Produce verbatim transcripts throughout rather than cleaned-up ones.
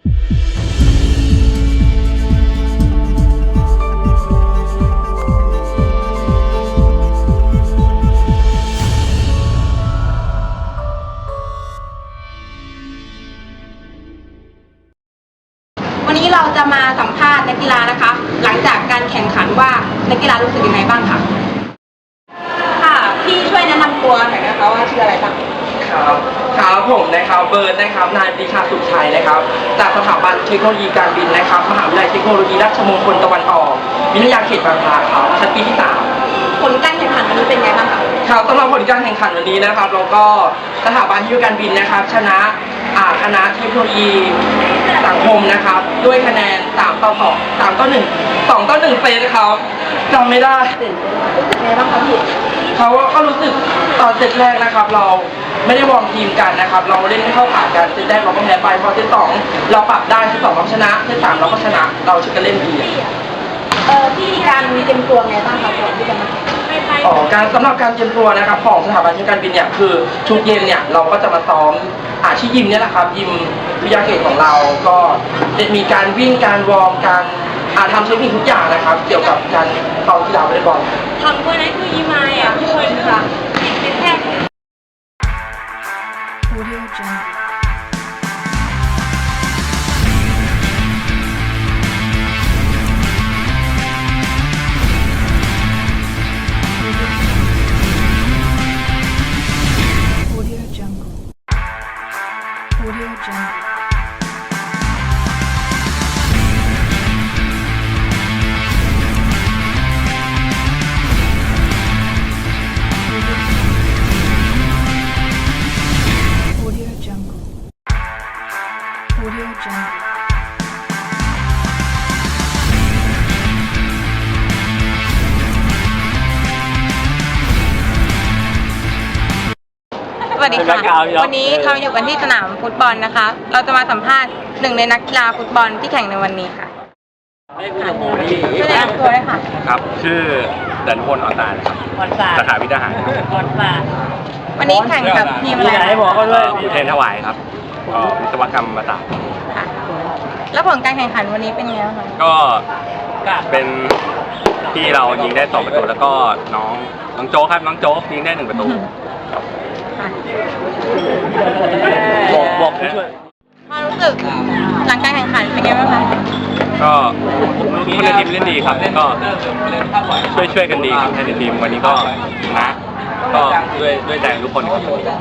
วันนี้เราจะมาสัมภาษณ์นักกีฬานะคะหลังจากการแข่งขันว่านักกีฬารู้สึกยังไงบ้างคะค่ะพี่ช่วยแนะนำตัวหน่อยนะคะว่าชื่ออะไรบ้างครับครับผมนะครับเบิร์ดนะครับนายปรีชาสุขชัยนะครับจากสถาบันเทคโนโลยีการบินนะครับมหาวิทยาลัยเทคโนโลยีราชมงคลตะวันออกวิทยาเขตบางพลาครับชั้นปีที่สามผลการแข่งขันวันนี้เป็นไงบ้างคะครับสำหรับผลการแข่งขันวันนี้นะครับเราก็สถาบันเทคโนโลยีการบินนะครับชนะคณะเทคโนโลยีสังคมนะครับด้วยคะแนนสามต่อสอง สามต่อหนึ่ง สองต่อหนึ่งเซตครับจำไม่ได้รู้สึกไงบ้างคะพี่เขาก็รู้สึกตอนเซตแรกนะครับเราไม่ได้วอร์มทีมกันนะครับเราเล่นไม่เข้าขากันเซตแรกเราก็แพ้ไปพอเซตสองเราปรับได้เซตสองเราชนะเซตสามเราก็ชนะเราชนะเล่นดีเออที่การเตรียมตัวไงบ้างคะก่อนที่จะมาแข่งอ๋อการสำหรับการเตรียมตัวนะครับของสถาบันเทคโนโลยีการบินเนี่ยคือทุกเย็นเนี่ยเราก็จะมาซ้อมอาชีพยิมเนี่ยแหละครับยิมวิทยาเขตของเราก็จะมีการวิ่งการวอร์มการอาทำเทคนิคทุกอย่างนะครับเกี่ยวกับการต่อกีฬาวอลเลย์บอลทำวันนั้นคือยิมมาอ่ะพี่ช่วยค่ะเป็นแค่สวัสดีค่ะวันนี้เราอยู่กันที่สนามฟุตบอลนะคะเราจะมาสัมภาษณ์หนึ่งในนักกีฬาฟุตบอลที่แข่งในวันนี้ค่ะช่วยแนะนำตัวด้วยค่ะครับชื่อเดินพลอ่อนตาครับสาขาวิทยาหารวันนี้แข่งกับทีมอะไรอุเทรนถวายครับวิศวกรรมศาสตร์แล้วผลการแข่งขันวันนี้เป็นไงบ้างคะก็เป็นที่เรายิงได้สองประตูแล้วก็น้องน้องโจ๊กครับน้องโจ๊กยิงได้หนึ่งประตูบอกบอกช่วยความรู้สึกหลังการแข่งขันเป็นไงบ้างคะก็คนในทีมเล่นดีครับก็ช่วยช่วยกันดีครับในทีมวันนี้ก็ชนะก็ด้วยด้วยใจทุกคนครับ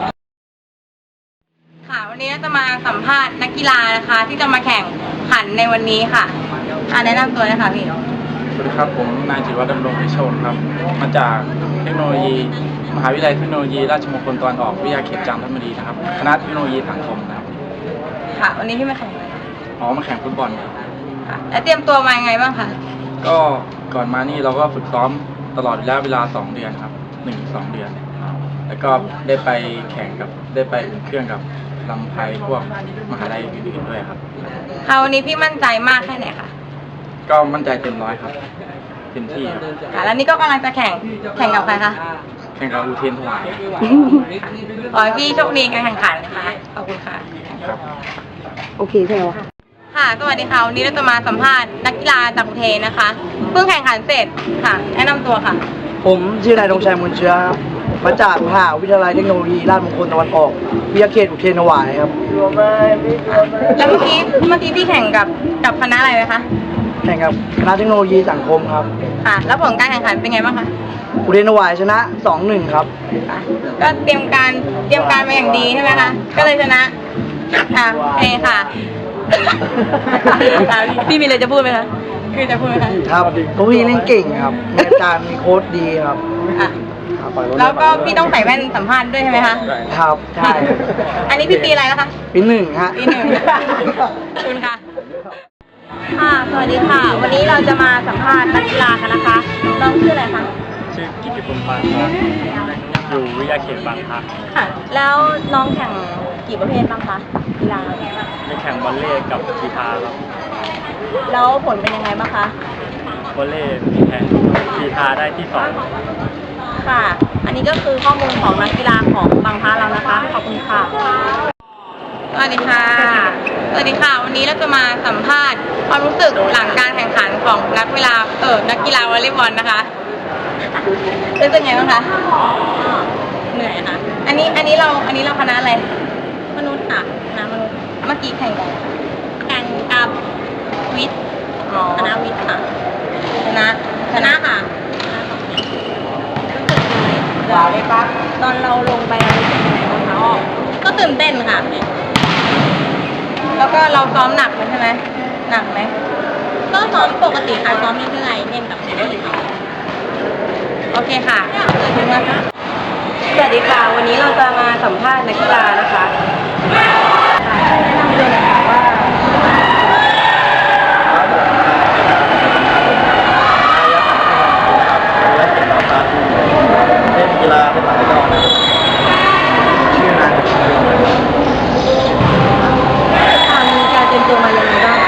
ค่ะวันนี้จะมาสัมภาษณ์นักกีฬานะคะที่จะมาแข่งขันในวันนี้ค่ะแนะนำตัวนะคะพี่สวัสดีครับผมนายจิตรวัฒน์ดำรงพิชนครับมาจากเทคโนโลยีมหาวิทยาลัยเทคโนโลยีราชมงคลตะวันออกวิทยาเขตจันทบุรีนะครับคณะเทคโนโลยีสังคมนะครับค่ะวันนี้พี่มาแข่งอะไรอ๋อมาแข่งฟุตบอลครับค่ะแล้วเตรียมตัวมายังไงบ้างคะก็ก่อนมานี่เราก็ฝึกซ้อมตลอดระยะเวลาสองเดือนครับหนึ่งสองเดือนแล้วก็ได้ไปแข่งกับได้ไปอุ่นเครื่องกับลำไพพวกมหาลัยอื่นๆด้วยครับค่ะวันนี้พี่มั่นใจมากแค่ไหนคะก็มั่นใจเต็มร้อยครับเต็มที่ค่ะแล้วนี่ก็กำลังจะแข่งแข่งกับใครคะแข่งกับอุเทรนถวายขอให้พี่โชคดีการแข่งขันนะคะขอบคุณค่ะครับโอเคใช่ไหมคะค่ะสวัสดีค่ะวันนี้เราจะมาสัมภาษณ์นักกีฬาจากอุเทรนนะคะเพิ่งแข่งขันเสร็จค่ะแนะนำตัวค่ะผมชื่อนายธงชัยมูลเชื้อมาจากมหาวิทยาลัยเทคโนโลยีราชมงคลตะวันออกวิทยาเขตอุเทรนถวายครับแล้วเมื่อกี้เมื่อกี้พี่แข่งกับกับคณะอะไรไหมคะแข่งกับคณะเทคโนโลยีสังคมครับค่ะแล้วผลการแข่งขันเป็นไงบ้างคะอุเทรนถวายชนะ สองหนึ่ง ครับก็เตรียมการเตรียมการมาอย่างดีใช่ไหมคะก็เลยชนะค่ะเองค่ะพี่มีอะไรจะพูดไหมคะคือจะพูดไหมคะครับพวกพี่เล่นเก่งครับอาจารย์มีโค้ชดีครับแล้วก็พี่ต้องใส่แว่นสัมภาษณ์ด้วยใช่ไหมคะครับใช่อันนี้พี่ปีอะไรแล้วคะปีหนึ่งฮะปีหนึ่งขอบคุณค่ะค่ะสวัสดีค่ะวันนี้เราจะมาสัมภาษณ์นักกีฬากันนะคะน้องชื่ออะไรคะชื่อกิติพงษ์ปานครับอยู่วิทยาเขตบางพลัดค่ะแล้วน้องแข่งกี่ประเภทบ้างคะกีฬามีแข่งวอลเลย์กับกีฬาครับแล้วผลเป็นยังไงบ้างคะวอลเลย์มีแข่งกีฬาได้ที่สองค่ะอันนี้ก็คือข้อมูลของนักกีฬาของบางพลัดเรานะคะขอบคุณค่ะสวัสดีค่ะสวัสดีค่ะ วันนี้เราจะมาสัมภาษณ์ความรู้สึกหลังการแข่งขันของนักเวลาเออนักกีฬาวอลเลย์บอลนะคะรู้สึกไงบ้างคะเหนื่อยค่ะ อันนี้อันนี้เราอันนี้เราคณะอะไรมนุษย์ค่ะคณะมนุษย์เมื่อกี้แข่งกันแข่งกับวิทย์คณะวิทย์ค่ะชนะชนะค่ะรู้สึกยังไงเลยปะตอนเราลงไปรู้สึกยังไงบ้างคะก็ตื่นเต้นค่ะ แล้วก็เราซ้อมหนักไหมใช่ไหมหนักไหมก็ซ้อมปกติค่ะซ้อมเรื่อยๆเล่นกับเพื่อนโอเคค่ะขอบคุณมากค่ะสวัสดีค่ะวันนี้เราจะมาสัมภาษณ์นักกีฬานะคะแนะนำตัวหน่อยค่ะว่าเล่นกีฬาเป็นหลักก็ชื่อนายมีการเตรียมตัวมายังไงบ้าง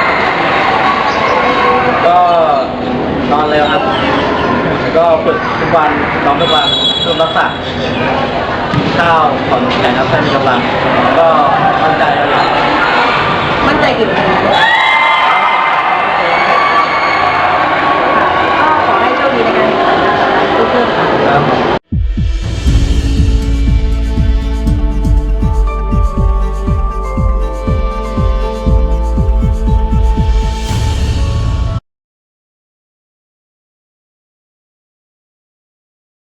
ก็นอนเร็วครับแล้วก็ฝึกทุกวันซ้อมทุกวันเพิ่มรักษาข้าวผ่อนแข่งครับให้มีกำลังก็มั่นใจเลยมั่นใจกี่เปอร์เซ็นต์